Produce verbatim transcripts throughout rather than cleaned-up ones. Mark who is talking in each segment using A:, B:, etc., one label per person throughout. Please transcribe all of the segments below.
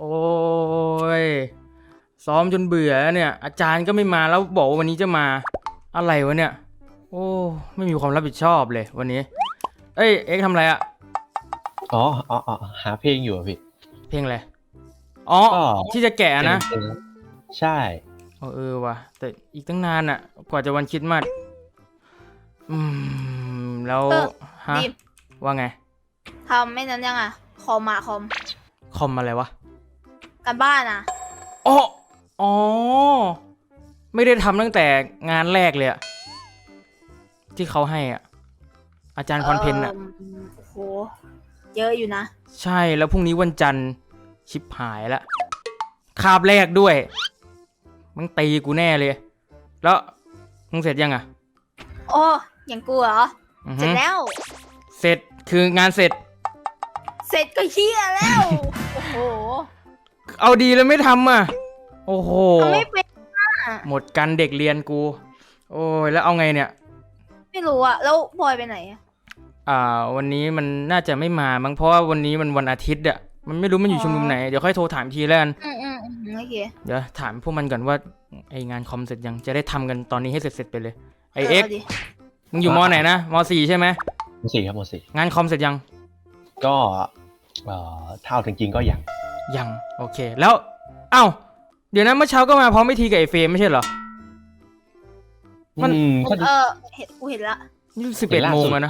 A: โอ้ยซ้อมจนเบื่อเนี่ยอาจารย์ก็ไม่มาแล้วบอกว่าวันนี้จะมาอะไรวะเนี่ยโอ้ไม่มีความรับผิดชอบเลยวันนี้เอ้ยเอ็กทำอะไรอะ
B: อ๋ออ๋ออ๋อหาเพลงอยู่อะพี่
A: เพลงอะไรอ๋อที่จะแกะนะ
B: ใช่
A: เออว่ะแต่อีกตั้งนานอะกว่าจะวันคริสต์มาสอืมแล้วฮะว่าไง
C: ทำไม่นั้นยังอ่ะคอมมาคอม
A: คอมอะไรวะ
C: การบ้านอ่ะ
A: อ๋ออ๋อไม่ได้ทำตั้งแต่งานแรกเลยอะที่เขาให้อ่ะอาจารย์พรเพนอ่ะ
C: โอ้โหเยอะอยู่นะ
A: ใช่แล้วพรุ่งนี้วันจันทร์ชิบหายละคาบแรกด้วยมึงตีกูแน่เลยแล้วมึงเสร็จยังอ่ะ
C: โอ้ยังกูเหรอเสร็จแล้ว
A: เสร็จคืองานเสร็จ
C: เสร็จก็เฮียแล้วโอ้โห
A: เอาดีแล้วไม่ทำอ่ะโอ้โห
C: ทำไม่เป็น
A: หมดกันเด็กเรียนกูโอ้ยแล้วเอาไงเนี่ย
C: ไม่รู้อะแล้วบอยไปไหนอะ
A: อ่าวันนี้มันน่าจะไม่มามั้งเพราะว่าวันนี้มันวันอาทิตย์อะมันไม่รู้มันอยู่ชุมนุมไหนเดี๋ยวค่อยโทรถามทีแล้วกัน
C: อืมอืมโอเค
A: เดี๋ยวถามพวกมันก่อนว่าไองานคอมเสร็จยังจะได้ทำกันตอนนี้ให้เสร็จๆไปเลยไอเอ็กมึงอยู่มอไหนนะมอสี่ใช่ไหม
B: มอสี่ครับมอสี่
A: งานคอมเสร็จยัง
B: ก็เอ่อเท่าจริงๆก็ยัง
A: ยังโอเคแล้วเอ้าเดี๋ยวนะเมื่อเช้าก็มาพร้อมพิธีกับไอเฟรมไม่ใช่เหรอ
C: มันเออเห็นกูเห็นละ
A: นี่สิบเอ็ดโมงแล้วนะ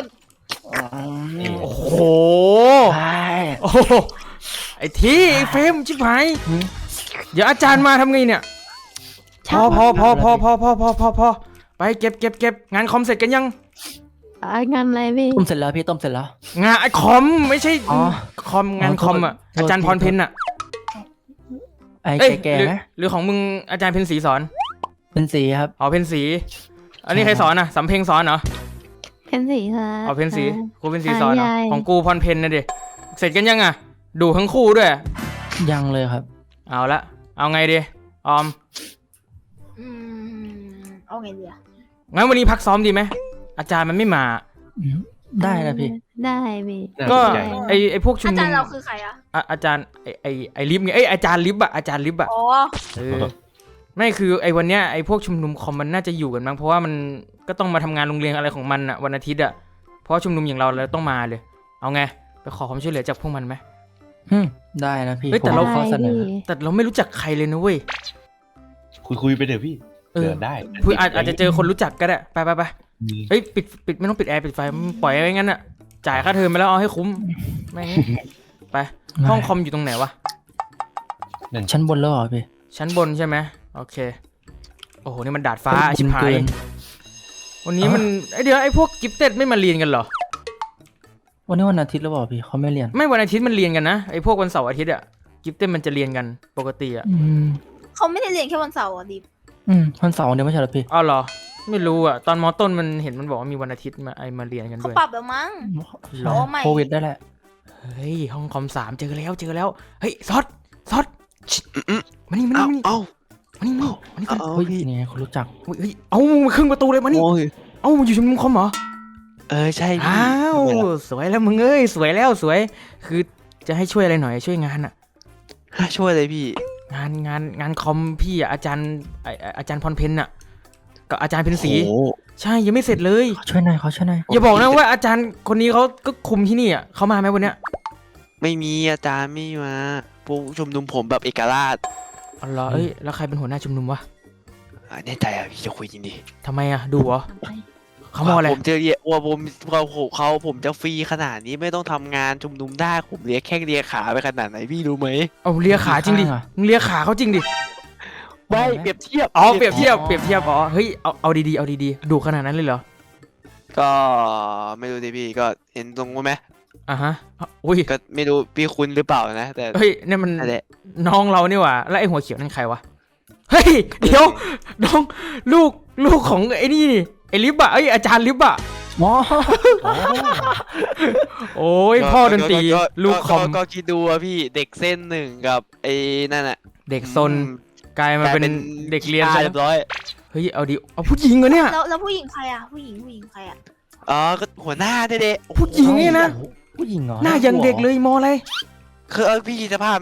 A: โอ้โหโอ้ไอทีไอเฟรมชิบหายเดี๋ยวอาจารย์มาทำไงเนี่ยพอพอพอพอพอพอพอพอพอไปเก็บเก็บเก็บงานคอมเสร็จกันยัง
D: งานอะไรพี่
E: ต้มเสร็จแล้วพี่ต้มเสร็จแล้ว
A: งานคอมไม่ใช่คอมงานคอมอ่ะอาจารย์พรเพนอ่ะ
E: ไอ้แก่ๆนะ
A: หรือของมึงอาจารย์เพนศรีสอน
E: เพนศรีครับ
A: อ๋อเพนศรีอันนี้ใครสอนอ่ะสำเพ็งสอนเหรอ
D: เพนศรีค่ะ
A: อ๋อเพนศรีกูเพนศรีสอนของกูพรเพนนะดิเสร็จกันยังอ่ะดูทั้งคู่ด้วย
E: ยังเลยครับ
A: เอาละเอาไงดีออม
C: อืมเอาไงดีอ่ะ
A: งั้นวันนี้พักซ้อมดีไหมอาจารย์มันไม่มา
E: ได้นะพี่
D: ได้พี่
A: ก็ไอไอพวกชุมนุม
C: อาจารย์เราคือใครอ่ะ
A: อาจารย์ไอไอไอลิฟไงไออาจารย์ลิฟอะอาจารย์ลิฟอะ
C: อ๋อ
A: เออไม่คือไอวันเนี้ยไอพวกชุมนุมคอมมันน่าจะอยู่กันมั้งเพราะว่ามันก็ต้องมาทำงานโรงเรียนอะไรของมันอะวันอาทิตย์อะเพราะชุมนุมอย่างเราเราต้องมาเลยเอาไงไปขอความช่วยเหลือจากพวกมันไหม
E: ได้นะพี่
A: แต่เราขอเสนอแต่เราไม่รู้จักใครเลยนะเว้ย
B: คุยคุยไปเดี๋ยวพี่เดินได้
A: อาจจะเจอคนรู้จักก็ได้ไปไปไปเฮ้ยปิดปิดไม่ต้องปิดแอร์ปิดไฟปล่อยไว้งั้นอะจ่ายค่าเทอมไปแล้วเอาให้คุ้มไม่งั้นไปห้องคอมอยู่ตรงไหนวะ
E: ชั้นบนแล้วเหรอพี่
A: ชั้นบนใช่ไหมโอเคโอ้โหนี่มันดาดฟ้าชิบหายวันนี้มันไอเดี๋ยวไอพวกกิฟเต็ดไม่มาเรียนกันเหรอ
E: วันนี้วันอาทิตย์แล้วเปล่าพี่เขาไม่เรียน
A: ไม่วันอาทิตย์มันเรียนกันนะไอพวกวันเสาร์อาทิตย์อะกิฟเต็ดมันจะเรียนกันปกติอะ
C: เขาไม่ได้เรียนแค่วันเสาร์อ่ะดิ
E: อืมวันเสาร์เดียวไม่ใช่หรอพี่
A: อ๋อเหรอไม่รู้อะตอนมอต้นมันเห็นมันบอกว่ามีวันอาทิตย์มาไอมาเรียนกันด้วย
C: เขาปรับแล้วมั้ง
E: โควิดได้แหละ
A: เฮ้ยห้องคอมสามเจอแล้วเจอแล้วเฮ้ยซอสซอสมานี่มานี่มานี่
E: เอ้า
A: มานี่มานี่มานี่
E: เฮ้ยนี่คนรู้จัก
A: เฮ้ยเอ้ามาครึ่งประตูเลยมานี่เอ้าอยู่ชุมนุมคอมเหรอ
E: เออใช่
A: อ้าวสวยแล้วมึงเอ้ยสวยแล้วสวยคือจะให้ช่วยอะไรหน่อยช่วยงานอะ
E: ช่วยเลยพี่
A: งานงานงานคอมพี่อะอาจารย์อาจารย์พรเพนอะกับอาจารย์เพนศรีใช่ยังไม่เสร็จเลย
E: ช่วยหน่อยเขาช่วยหน่อย
A: อย่าบอกนะว่าอาจารย์คนนี้เขาก็คุมที่นี่อะเขามาไหมวันเนี้ย
F: ไม่มีอาจารย์ไม่มาพวกชุมนุมผมแบบเอกราช
A: อ๋อเหรอเอ้ยแล้วใครเป็นหัวหน้าชุมนุมวะ
F: แน่ใจอ่ะพี่จะคุยจริงดิ
A: ทำไมอะดูเหรอเขาบอกอะไร
F: ผมจะเรียกว่าผมเขาเขาผมจะฟรีขนาดนี้ไม่ต้องทำงานชุมนุมได้ผมเรียกแค่เรียกขาไปขนาดไหนพี่รู้ไหม
A: เอาเรียกขาจริงดิมึงเรียกขาเขาจริงดิ
F: ไม่เปรียบเทียบ
A: อ๋อเปรียบเทียบเปรียบเทียบอ๋อเฮ้ยเอาเอาดีๆเอาดีๆดูขนาดนั้นเลยเหรอ
F: ก็ไม่รู้ดิพี่ก็เห็นตรงไหม
A: อ่ะฮะอุ้ย
F: ก็ไม่รู้พี่คุณหรือเปล่านะแต่
A: เฮ้ยนี่มันน้องเรานี่หว่าแล้วไอ้หัวเขียวนั่นใครวะเฮ้ยเดี๋ยวน้องลูกลูกของไอ้นี่นี่ไอ้ลิบอะไอ้อาจารย์ลิบอะ
E: อ๋อ
A: โอ้ยพ่อดนตรีลูกคอม
F: ก็คิดดูอะพี่เด็กเส้นหนึ่งกับไอ้นั่นอะ
A: เด็กซนกลายมาเป็นเด็กเรียน
F: เรียบร้อย
A: เฮ้ยเอาดิเอาผู้หญิงเหรอเนี่ย
C: แล้วแล้วผู้หญิงใครอะผู้หญิงผู้หญิงใครอะ
F: อ๋อก็หัวหน้าเด็ก
A: ผู้หญิงเนี่ยนะ
E: ผู้หญิงเหรอ
A: หน้ายังเด็กเลยมออะไร
F: คือเออพี่คิดสภาพนะ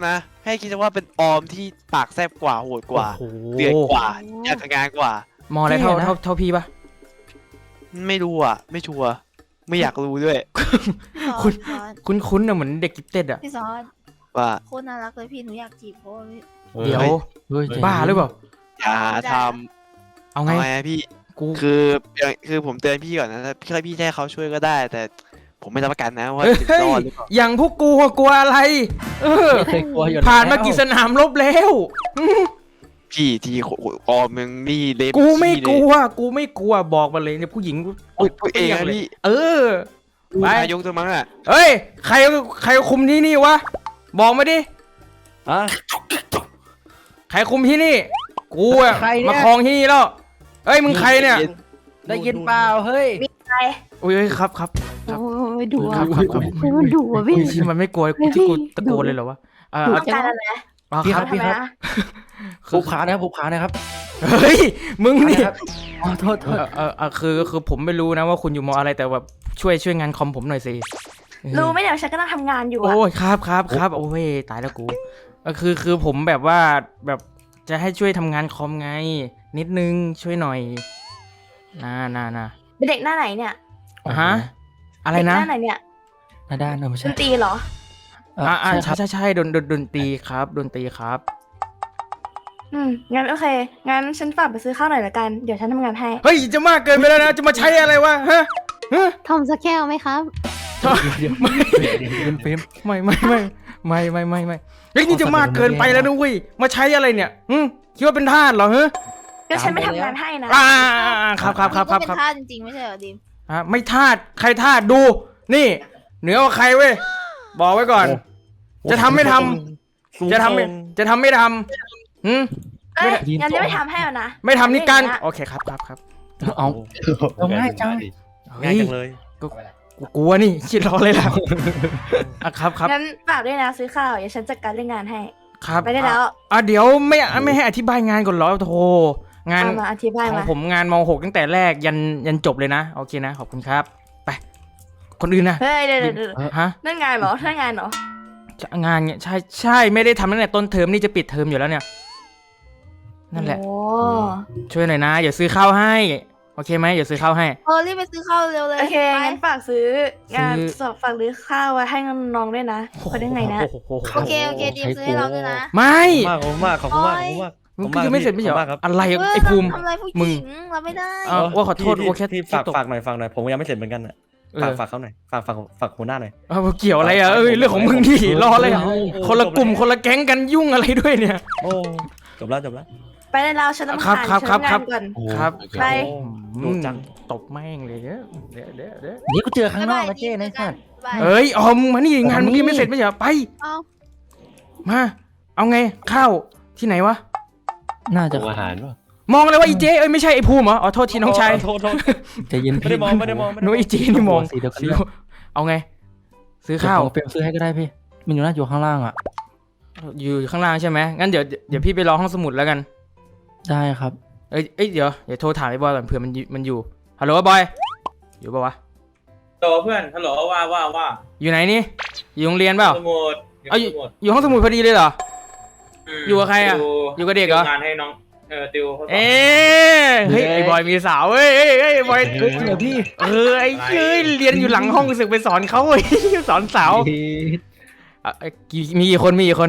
F: ให้คิดว่าเป็นออมที่ปากแซบกว่าโหดกว่า
A: โอ้โห
F: เดือดกว่าอยากทำงานกว่า
A: มองอะไรเท่าเท่าเท่าพี่ปะ
F: ไม่รู้อ่ะ ไม่ชัวร์ไม่อยากรู้ด้วย
A: คุณ
C: พี่ซอส
A: คุ้นคุ้นๆอะเหมือนเด็กกิฟเต็ดอะ
C: พี่ซอส
F: ว่า
C: โคตรน่ารักเลยพี่หนูอยากจีบเพราะว่าพี่
A: เดี๋ยว
E: เฮ้ยใจ
A: บ้าหรือเปล่า
F: อย่าท
A: เอา
F: ำ
A: ไง
F: เอาไงอะพี่
A: กู
F: คือคือผมเตือนพี่ก่อนนะถ้าพี่พี่ให้เขาช่วยก็ได้ แต่ผมไม่รับประกันนะว่า
A: เฮ้ย
F: จะรอดหรือเปล่า
A: อย่างพวกกูอะกลัวอะไร เออ
E: ไม่เคยกลัวอยู่แล้ว
A: ผ่านมากี่สนามรบแล้ว
F: พี่ที่ออมมึงนี่เล็บ
A: กูไม่
F: ขี้
A: ก
F: เลย
A: ลัว กูไม่กลัวบอกมาเลยเนี่ยผู้หญิง
F: พูดพูดเอง
A: ย
F: นะ
A: เลย
F: พี่
A: เออ ไป
F: นายกตัวมั้งอ่ะ
A: เฮ้ย ใครใครคุมที่นี่วะ บอกมาดิ
E: อ่ะ
A: ใครคุมที่นี่ กูอะ
E: ใครเนี่ย
A: มาครองที่นี่แล้ว เอ้ยมึงใครเนี่ย
E: ได้ยินเปล่าเฮ้ย
C: มีใคร
A: อุ้ยครับครับ
D: โอ้ยดุ
A: ครั
D: อ่ะ
A: บครับครับ
D: เฮ้ยมันดุอ่ะพี่
A: อุ้ยที่มันไม่กลัว
D: เฮ้ย
A: ที่กู
D: พี่
A: ตะโกนเลยเหรอวะอ่า
D: ดุ
A: อ่ะ
C: ต้องการอะไร
A: อ่ะ
E: พี่
A: ค
E: ค
A: รั
E: รั
A: บบ
C: ทำไมนะ
E: ผูกขานะครับผูกขานะครับ
A: เฮ้ยมึงนี่
E: ครับอ๋อโทษโท
A: เอ
E: ษ
A: อเออเออคือคือผมไม่รู้นะว่าคุณอยู่มออะไรแต่แบบช่วยช่วยงานคอมผมหน่อยสิเออ
C: รู้ไหมเดี๋ยวฉันก็ต้องทำงานอยู่อะ
A: โอ้ยครับครับครับโอ้ยตายแล้วกูก็คือคือผมแบบว่าแบบจะให้ช่วยทำงานคอมไง นิดนึงช่วยหน่อยนานานา
C: เป็นเด็กหน้าไหนเนี่ย
A: ฮะอะไรนะ
C: เด็กหน้าไหนเนี่ย
E: หน้าด้านเนอะไม่
C: ด
E: ใช่
C: นตรีเหรอ
E: เอ่อ
A: อ่าอ่า
E: ใช่ค
A: ใช่
E: รับ
A: ใช่ใช่ดนดนดนตรีครับดนตรีครับ
C: อืมงั้นโอเคงั้นฉันฝากไปซื้อข้าวหน่อยละกันเดี๋ยวฉันทำงานให้
A: เฮ้ยจะมากเกินไปแล้วนะจะมาใช้อะไรวะฮะฮะ
D: ทอมสักแก้วไหมครับ
E: เดี๋ยวเดี๋ยวเดี๋ยวเดี๋ยวเฟรม
A: ไม่ไม่ไม่ไม่ไม่ไม่ไม่เฮ้ยนี่จะมากเกินไปแล้วนะเว้ยมาใช้อะไรเนี่ยหึคิดว่าเป็นทาสเหรอฮะ
C: ก็ฉันไม่ทำงานให้นะ
A: อ่าครับครับครับครับ
C: ดิม
A: ครับ
C: ก็เป็นท่าสจริงๆไม่ใช่เหรอดิม
A: อ่ะไม่ทาสใครทาสดู นี่ เหนือกว่าใครเว้ยบอกไว้ก่อน จะทำไม่ทำจะทำไม่จะทำไม่ทำหืม
C: เอ้ยงั้นจะไม่ทำให้แล้วนะ
A: ไม่ทำนี่การ
C: ไม่อย่างเงี้ย
A: โอเคครับครับครับ
E: เอาเอาง่ายจัง
A: ง่ายจังเลยก็กูกลัวนี่คิดรอเลยล่ะอ่ะครับครับ
C: งั้นฝากด้วยนะซื้อข้าวเดี๋ยวฉันจัดการเรื่องงานให้
A: ครับ
C: ไปได้แล้ว
A: อ่ะอ่ะเดี๋ยวไม่ไม่ให้อธิบายงานก่อนเหรอโธ่งาน
C: เอามาอธิบาย
A: ของ
C: มา
A: ผมงานม .หก ตั้งแต่แรกยันยันจบเลยนะโอเคนะขอบคุณครับ ไป คนอื่นนะ
C: เฮ้ยเดี๋ยวเดี๋ยวเดี๋ยว
A: ฮะ
C: นั่นงานเหรอนั่นงานเหรอ
A: งานเนี่ยใช่ใช่ไม่ได้ทำตั้งแต่ต้นเทอมนี่จะปิดเทอมอยู่แล้วเนี่ยนั่นแหละ
C: โอ้
A: ช่วยหน่อยนะอย่าซื้อข้าวให้โอเคไหมอย่าซื้อข้าวให้
C: เออรีบไปซื้อข้าวเร็วเลยโอเคงั้นฝากซื้องาน
A: ซื้อ
C: สอบฝากซื้อข้าวไว้ให้น้องๆด้วยนะเขาได้ไงนะ
A: โอ้โห
C: โอเคโอเคดีมซื้อให้เราด้วยนะ
A: ไม่
G: มากขอบคุณมากขอบคุณมากขอบคุณมาก
A: มึงก็ยังไม่เสร็จไม่ใช่เหร
G: ขอบคุณมากครั
A: อบ อะไรไอ้ภูมิ
C: ทำอะไรผู้ห
A: มึง
C: ญิงเราไม่ได้
A: อ้าวว่าขอโทษ
G: ที่
A: ว่าแค่
G: ที่
A: แค่
G: ฝาก
A: ตก
G: ฝากหน่อยฝากหน่อยผมยังไม่เสร็จเหมือนกันอ่ะ
A: เอ
G: ฝาก
A: อ
G: ฝากเขาหน่อยฝากฝากฝากหัวหน้าหน่อย
A: เอาเกี่ยวอะไรอ่ะเอ้ยเรื่องของมึงดิรออะไรอ่ะ
G: โอ้
A: คนละกลุ่ม
G: จบแล้ว
A: คนละแก๊งกันยุ่งอะไรด้วยเนี่ย
G: โอ้จบแล้วจบแล้ว
C: ไปได้แล้วฉันต้อง
A: ครับ
C: ผ่าน
A: ครับ
C: ฉัน
A: ครับ
C: ทำงานก่อน
A: ครับ
C: ไป
A: อืมตบแม่งเลยเดี๋ยวเดี๋ยวเดี๋ยวเดี๋ยว
E: นี่กูเจอข้างนอกนะเจ้นะสัตว์
C: บาย
A: เอ้ยออมมานี่งานมึงยังไม่เสร็จไม่ใช่เหรอไป
C: เอา
A: มาเอาไงข้าวที่ไหนวะ
E: น่าจะ
B: อาหารป่ะ
A: มองเลยว่าอีเจเอ้ยไม่ใช่ไอ้ภูมิเหรออ๋อโทษทีน้องชาย
G: โทษโทษ
E: ใจเย็น
G: ไม่ได้มองไม่ได้มองไม่ได้
A: นุ้
G: มอง
A: ยอีเจนี่มอง
E: สีเดียวกัน
A: สี
E: เลย
A: เอาไง ซื้อข้าว
E: เดี๋ยผมเปลี่ยนซื้อให้ก็ได้พี่มันอยู่หน้าอยู่ข้างล่างอ่ะ
A: อยู่ข้างล่างใช่ไหมงั้นเดี๋ยวเดี๋ยวพี่ไปรอห้องสมุดแล้วกัน
E: ได้ครับ
A: เอ้ยเอ้ยเดี๋ยวเดี๋ยวโทรถามไอ้บอยก่อนเผื่อมันอยู่มันอยู่ฮัลโหลบอยอยู่ปะวะ
H: โตเพื่อนฮัลโหลว่าว่าว่า
A: อยู่ไหนนี่อยู่โรงเรียนเปล่า
H: สมุด
A: เอาอยู่
H: สมุด
A: อยู่ห้องสมุดพอดีเลยเหรอ
H: ม
A: อยู่กับใครอะ อยู่กับเด็กเหรอ
H: ติวงานให้น้องเออติวข้อสอบ
A: เอ๊ะเฮ้ยไอ้บอยมีสาวเฮ้ยเฮ้ยเฮ้ยไอ้บอย
E: เฮ้ยจริงเหรอพี่
A: เออไอ้เฮ้ยเรียนอยู่หลังห้องสึกไปสอนเขาเว้ยสอนสาวอ่ะเอ้ยกี่มีกี่คนมีกี่คน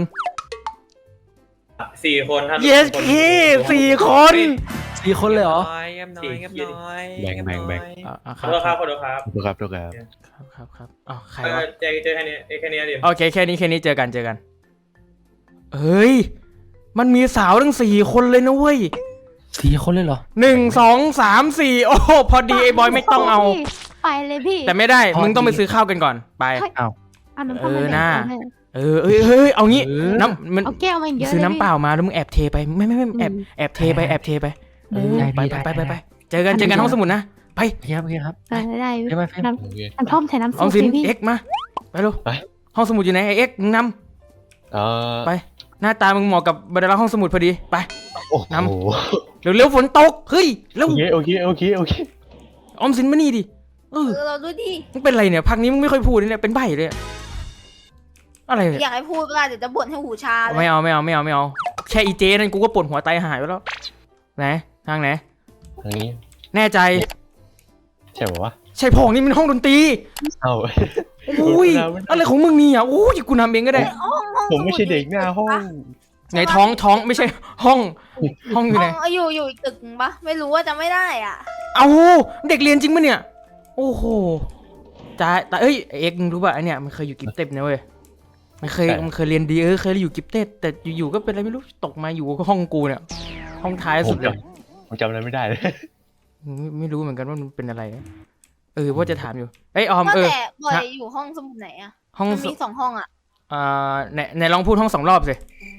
H: สี่คนท่าน
A: yes เคสี่คน
E: สี่คนเลยเหรอ
F: น้อยเงียบน้อยเงียบน้อย
B: แบ่งแบ่งแบ่ง
A: อ่ะอ่ะค
H: ข
A: รั
H: อบ โทษครับขอโทษครับ
B: ดูครับดูครับ
A: ครับครับครับอ๋อใคร
H: เอ
A: วะ
H: อเจอเจอแค่นี้แค่นี้เดียว
A: โอเคแค่นี้แค่นี้เจอกันเจอกันเฮ้ยมันมีสาวทั้งสี่คนเลยนะเว้ย
E: สี่คนเลยเหรอ
A: หนึ่งสองสามสี่โอ้โหพอดีไอ้บอยไม่ต้องเอา
D: ไปเลยพี่
A: แต่ไม่ได้
E: พอดี
A: มึงต้องไปซื้อข้าวกันก่อนไป
E: อ้าว
D: เอาน้ำ
A: เอ
D: เปล่า
A: อ
D: มา
A: น่า
D: แบ่งกัน
A: เออเอ้ยเฮ้ยเอางี้
E: เออ
A: น้ำมัน
D: เอาแก้วมาเยอะ
A: ซื้อ
D: เลย
A: น้ำเปล่ามาแล้วมึงแอบเทไปไม่ไม่ไม่แอบ
D: อืม
A: แอบเทไปแอบเทไปเออ
E: ได้
A: ไป
E: ได้
A: ไปไป
E: ได้
A: ไปไปเจอกันเจอกันห้องสมุดนะไป
E: โอเคครับโอเคครับ
D: เออได้พี่
E: ได้ไหมเฟรม
D: น้
B: โอเค
D: ำน้ำท่อมใส่น้ำ
A: ออ
D: ซุ
A: ม
D: ป
A: สิน
D: สิพี่
A: เอ็กซ์มาไปลูก
B: ไป
A: ห้องสมุดอยู่ไหนไอเอ็กซ์มึงน
B: เออ
A: ำไปหน้าตามึงเหมาะกับบรรดาห้องสมุดพอดีไป
B: โอ้โห
A: น้ำ เร็วเร็วฝนตกเฮ้ยเร็ว
B: โอเคโอเคโอเคโอเค
A: ออมสินมานี่ดิเออ
C: เออเราดูดิ
A: มึงเป็นไรเนี่ยพักนี้มึงไม่ค่อยพูดเลยเนี่ยเป็นใบ้เลยอะอะไรเนี่ย
I: อยากให้พูดเวลาเดี๋ยวจะบ่นให้หูชาเลย
A: ไม่เอาไม่เอาไม่เอาไม่เอาแค่อีเจนั่นกูก็ปวดหัวไตหายไปแล้วไหนทางไหน
B: ทางนี้
A: แน่ใจ
B: ใช่ป่าวะ
A: ใช่พองนี่มันห้องดนตรี
B: เอ้า
A: อุ้ยอะไรของมึงนี่อ่ะอุ้ยกูนำเองก็ได้
I: ห้องห้อง
B: ผมไม่ใช่เด็กหน้าห้อง
A: ไงท้องท้องไม่ใช่ห้องห้องอยู่
I: ห้
A: ไหน
I: องอยู่อยู่อีกตึกนึงปะไม่รู้ว่าจะไม่ได้อ่ะ
A: เอาเด็กเรียนจริงปะเนี่ยโอ้โหจ้าแต่เอ้ยเอ็กซ์มึงรู้ป่ะไอเนี่ยมันเคยอยู่กิฟเต็ดนะเว้ยมันเคยมันเคยเรียนดีเออเคยอยู่กิฟเต็ดแต่อยู่ๆก็เป็นอะไรไม่รู้ตกมาอยู่ห้องกูเนี่ยห้องท้ายสุดเลย
B: ผมจำอะไรไม่ได้เลย
A: ไม่ไม่รู้เหมือนกันว่ามันเป็นอะไรเออว่าจะถามอยู่เอ้ยออม
I: ว่า
A: เออ
I: แต่บอย
A: ฮะ
I: อยู่ห้องสมุดไหนอ่ะ
A: ห้อง
I: มัน
A: ส
I: มีสองห้องอ่ะ
A: อ่าไหนไหนลองพูดห้องสองรอบสิ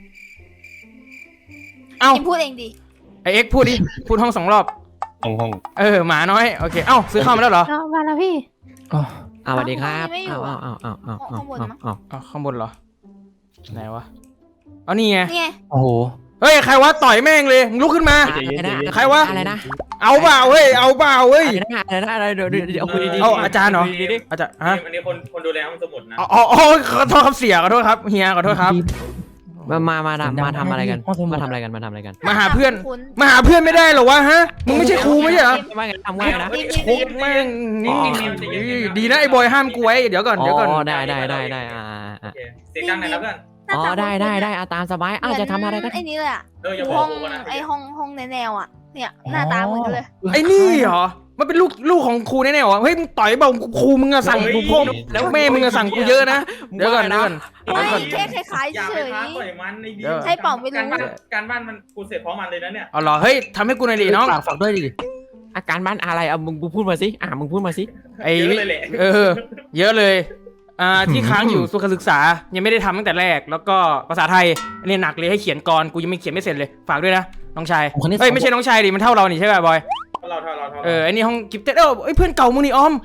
A: เอ้า
I: กินพูดเองดิ
A: ไอเอ็กซ์พูดดิ พูดห้องสองรอบ
B: ห้องห้อง
A: เออหมาน้อยโอเคเอ้าซื้อข้าวมาแล้วเหรอ
D: เอามาแล้วพี่
E: อ๋อ
J: อ่าสวัสดีครับ
I: ไม่อยู่
J: อ้าว
I: อะ
J: อ้าวอ้าวอ้าวอ้าว
I: ข้างบนมั้ง
J: อ้าว
A: อ๋อข้างบนเหรอไหนวะเอานี่ไง
I: นี่ไง
E: โอ้โห
A: เฮ้ยใครวะต่อยแม่งเลยมึงลุกขึ้นมา
J: อะไรนะ
A: ใครวะ
J: อะไรนะ
A: เอาเปล่าเฮ้ยเอาเปล่าเฮ้ย
J: อะไรนะอะไรนะอะไรเดี๋ยวเดี๋ยวเดี๋ยวคุยดีๆ
A: เอาอาจารย์เหรอ
J: คุดีๆดิ
A: อาจารย์ฮะ
H: อันนี้คนคนดูแลห้องสมุดนะ
A: อ๋ออ๋ออ๋อขอโทษครับเสียขอโทษครับเฮียขอโทษครับ
J: มามามา
E: เสียงดัง
J: มาทำอะไรกัน
E: ห้องสมุด
J: มาทำอะไรกันมาทำอะไรกัน
A: มาหาเพื่อน
I: คุณ
A: มาหาเพื่อนไม่ได้เหรอวะฮะมึงไม่ใช่ครูไม่ใช่เหรอ
J: ว่าไงทำง่ายนะ
I: ดิม
A: โคตรแม่งนี่ดีนะไอ้บอยห้ามกูไว้เดี๋ยวก่อน
J: อ๋
A: เดี๋ยวก่อน
J: อได้ได้ได้ได้อ่าอ่า
H: โอเคเสียงดังหน่อยนะเพื่อน
J: อ๋อได้ได้ได้อ่ะตามสบายอ้าวจะทำอะไรกัน
I: ไอ้นี่เลยอ่ะ
H: เอออย่าบ
I: ห้
H: อ
I: อก ง
H: กูก่อนนะ
I: ไอ้ห้องห้องแนวๆอ่ะเนี่ยหน้าตาเหมือนกันเลย
A: ไอ้นี่เหรอมันเป็นลูกลูกของครูแน่ๆเหรอเฮ้ยมึงต่อยเปล่าครูมึงอะสั่งกูพ่อแล้วแม่มึงอะสั่งกูเยอะนะเดี๋ยวก่อนเดี๋ยวก่อน
I: ไม่
A: เดี๋ยวก่อน
I: แค่คล้าย
H: อย่า
I: ๆเฉ
H: ไป
I: ย
H: ท้าต่อยมันในดี
A: เดี๋ยว
I: ใช่เปล่าไม่รู้
H: การบ้านการบ้านมันกูเสร็จพร้อมมันเลยนะเนี่ย
A: เอาเหรอเฮ้ยทำให้กูหน่อยดิน้อง
E: ฝากฝากด้วยดิ
J: อาการบ้านอะไรเอามึงมึงพูดมาสิอ่ามึงพูดมาสิ
A: ไอ้
H: เยอะเลยแหละ
A: เออ เยอะเลยอ่าที่ค้างอยู่สุขศึกษายังไม่ได้ทำตั้งแต่แรกแล้วก็ภาษาไทยอันนี้หนักเลยให้เขียนกรกูยังไม่เขียนไม่เสร็จเลยฝากด้วยนะน้องชาย
E: ผมคนนี้
A: เฮ้ยไม่ใช่น้องชายดิมันเท่าเรานี่ใช่ป่ะบอย
H: เราเท่าเราเท่า
A: เออไอ้นี่ห้องกิฟเต็ดเออไอ้เพื่อนเก่ามึงนี่ออม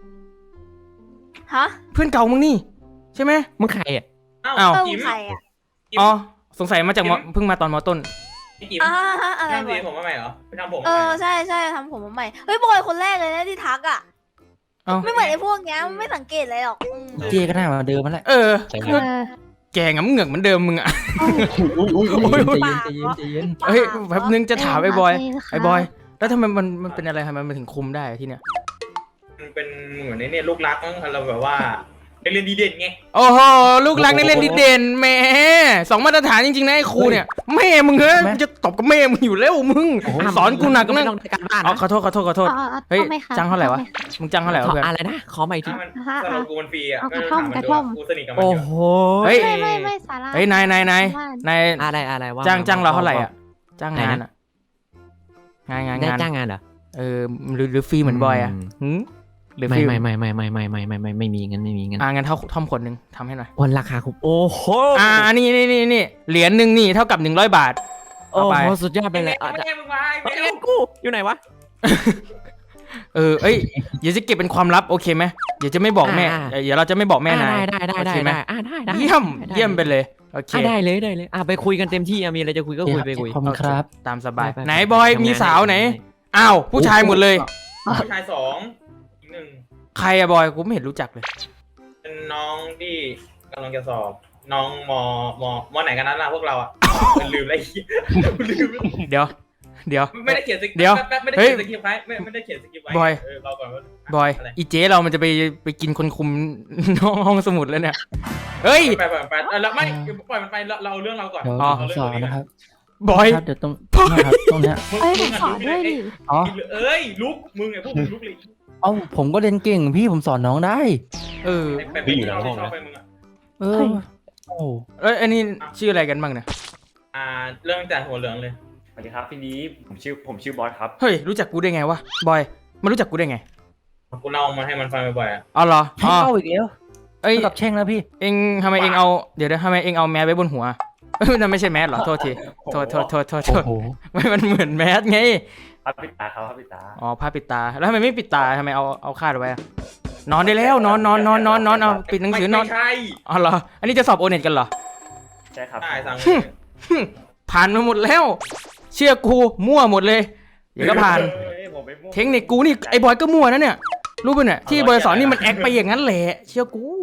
I: ฮะ
A: เพื่อนเก่ามึงนี่ใช่ไหม
J: มึงใครอ่ะ
A: อ้า
H: อ้าว ว
I: เออ
H: จิ๋ม
I: ใครอ่ะ
A: อ๋อสงสัยมาจากมเพิ่งมาตอนมต้น
H: พี่จิ๋ม
I: อ่าฮะอะไร
H: ทำ
I: บ
H: สี
I: อย
H: ผมมาใหม่เหรอไปทำผม
I: เอ
H: มาใหม่
I: อ
H: เหรอ
I: ใช่ใช่ทำผมมาใหม่เฮ้ยบอยคนแรกเลยนะที่ทักอ่ะ
A: เอ้า
I: ไม่เหมือนไอ้พวกเนี้ยไม่สังเกตอะไรหรอกอืม
E: เจก็หน้ามาเดิมมาแหละ
A: เออ
B: ใช่ไหม
D: เออ
A: แกงำเหงือกเหมือนเดิมมึงอะ
B: อุ้ยอุ้ยอุ้ย
E: ใจเย็นใจเย็นใจเย็น
A: เฮ้ยแป๊บนึงจะถามไอ้บอย
D: เค่ะ
A: ไอ้บอย แล้วทำไมมันมันเป็นอะไรทำไมมันถึงคุมได้ที่เนี้ย
H: มันเป็นเหมือนในเนี่ยลูกรักมั้งเราแบบว่าเรียนดีเด่นไง
A: โอ้โหลูกรักนักเรียนดีเด่นแหมสองมาตรฐานจริงๆนะไอ้ครูเนี่ยแม่มึงเฮ้ยกูจะตบกับแม่มึงอยู่แล้วมึงสอนกูหนัก
J: ไม่
A: นะ
J: ต้องได้การบ้าน
A: อ๋อ
J: นะ
A: ขอโทษขอโทษขอโทษ
D: อาอา
A: เฮ้ย
D: อาไหมคะ
A: จ้างเท่าไหร่วะ
D: อม
A: มึงจ้างเท่าไหร่วะ
J: ขอ
A: เพื่อน
J: อะไรนะขอมาอีกที
H: ถ้ามัน
D: ฮะ
H: สำหรับกูมันฟรีอ่ะ
D: เอา
H: ก็
D: กระ
H: ถา
D: ท่อ
H: ม
D: ม
H: มัน
D: กระ
H: ดู
D: ท่อม
H: กูสนิทกับมัน
J: โอ้
H: อยู่
J: โห
A: เฮ้ย
D: ไม่ไม่ไม่สาระ
A: เฮ้ยนายนายนาย
D: ว่าน
A: าย
J: อะไรอะไรว่า
A: จ้างจ้างเรา
J: ว่
A: เท่าไหร่อ่ะจ้างงาน
J: ไหนนะ
A: อ่ะงานงาน
J: ได้
A: งาน
J: จ้างงานเหรอ
A: เออหรือหรือฟรีเหมือนบอยอ่ะ
J: อืม
A: หืมหรือ
J: ไม่
A: ฟรี
J: ไม่ไม่ไม่ไม่ไม่ไม่ไม่ไม่ไม่มีเงินไม่มีเงิน
A: อ่างั้นเท่าท่อมขวดหนึ่งทำให้หน่อย
J: วันราคาคุ้มโอ้โห
A: อ่านี่นี่นี่นี่เหรียญหนึ่งนี่เท่ากับหนึ่งร้อยบาท
J: โอ้
A: เอาไป
J: โหสุดยอดไปเลยอ่ะ
H: ไม่ใช่มึงมา
J: เฮ้
H: ไม่
J: ย
H: ใช่
J: เงินกูอยู่ไหนวะ
A: เออเอ้ยเดี๋ยวจะเก็บเป็นความลับโอเคไหมเดี๋ยวจะไม่บอกแม่
J: อ่า
A: เดี๋ยวเราจะไม่บอกแม่นาย
J: อ่ะได้ได้ได้
A: โอเคไหม
J: ได้อ่ะได้ได้
A: เยี่ยม
J: ได้
A: เยี่ยมไปเลยโอเค
J: อ่ะได้เลยได้เลยอ่ะไปคุยกันเต็มที่อ่ะมีอะไรจะคุยก็คุยไปคุย
E: ขอบคุณครับ
A: ตามสบาย
J: ไปไป
A: ไหน
J: ไป
A: บอย
J: ทำงาน
A: มีสาวไหน
J: ทำงาน
A: อ้าวผู้ชายหมดเลย
H: ผู้ชายสองอีกหนึ่ง
A: ใครอะบอยกูไม่เห็นรู้จักเลย
H: เป็นน้องที่กำลังจะสอบ น้องมมมไหนกันนั้นล่ะพวกเราอ่ะลืมอะไรลืม
A: เดี๋ยว เดี๋ยว
H: ไม่ได้เขียนสคริปต์
A: เดี๋ยว
H: ไม่ได้
A: เฮ้ย
H: เขียนสคริปต์ไว้ไม่ไม่ได้เขียนสคริปต์ไว้
A: บอย
H: เออเราก่อนว่า
A: บอย
H: อะไร
A: อีเจ๊เรามันจะไปไปกินคนคุม น้องห้องสมุดแล้วเนี่ยเฮ้ย
H: ไปไปไปเออแล้วไม่ปล่อยมันไปเราเราเอาเรื่องเราก่อน
E: เดี๋ยว
A: อ๋อ
E: ผมสอนนะครับ
A: บอย
E: ครับเดี๋ยวตรงเนี่ยครับตรงเนี้ย
D: เอ้ยผมสอนด้วยดิ
E: อ๋อ
H: เอ้ยลุกมึงไงพวกมึงลุกเลย
E: เอ้าผมก็เรียนเก่งพี่ผมสอนน้องได้
A: เออ
H: ไปไปที่เราชอบไปมึงอ่ะ
E: เออโอ้
A: เอ้ยอันนี้ชื่ออะไรกันบ้างเนี่ย
H: อ่าเรื่องจากหัวเหลืองเลย
K: สวัสดีครับพี่นี้ผมชื่อผมชื่อบอสครับ
A: เฮ้ยรู้จักกูได้ไงวะบอยมันรู้จักกูได้ไง
H: กูเล่ามาให้มันฟังบ่อยๆอ่ะ
A: อ๋อเหรอ
E: ให้
A: อ๋อ
E: เข้าอีกแล้ว
A: เอ้ย
E: เท่ากับแช่งแล้วพี่
A: เอ็งทำไมเอ็งเอาเดี๋ยวนะทำไมเอ็งเอาแมสไว้บนหัวเอ้ยนั่นไม่ใช่แมสเหรอโทษทีโทษโทษโทษโทษโท
E: โอ้
A: ษ
E: โห
A: ไม่มันเหมือนแมสไง
K: ครับปิดตาครับปิดตา
A: อ๋อผ้าปิดตาแล้วทำไมไม่ปิดตาทำไมเอาเอาคาดไว้อะนอนได้แล้วนอนนอนนอนนอนนอนเอาปิดหนังสือนอน
H: ไม่ใช่
A: อ๋อเหรออันนี้จะสอบโอเน็ตกันเหรอ
K: ใช่ครับ
H: ได้สั่ง
A: ผ่านมาหมดแล้ว เชื่อกูมั่วหมดเลยเดี๋ยวก็ผ่าน
K: เอ้ยผมไม่มั่ว
A: เทคนิคกูนี่ไอ้บอยก็มั่วนะเนี่ยรู้ป่ะเนี่ยที่บอยสอนนี่มันแอคไปอย่างนั้นแหละเชื่อกู